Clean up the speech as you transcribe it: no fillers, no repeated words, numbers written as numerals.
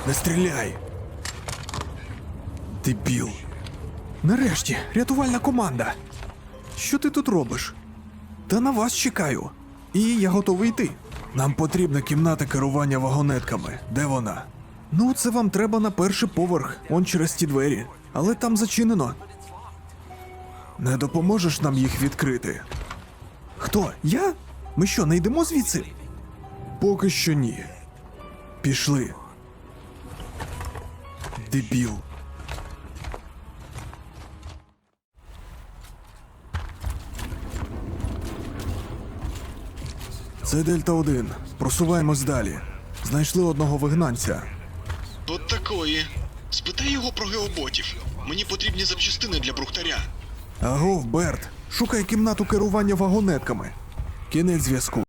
Не стріляй! Дебіл. Нарешті, рятувальна команда. Що ти тут робиш? Та на вас чекаю. І я готовий йти. Нам потрібна кімната керування вагонетками. Де вона? Ну, це вам треба на перший поверх, он через ті двері. Але там зачинено. Не допоможеш нам їх відкрити? Хто? Я? Ми що, не йдемо звідси? Поки що ні. Пішли. Дебіл. Це Дельта-1. Просуваємось далі. Знайшли одного вигнанця. От такої. Спитай його про геоботів. Мені потрібні запчастини для брухтаря. Агов, Берт. Шукай кімнату керування вагонетками. Кінець зв'язку.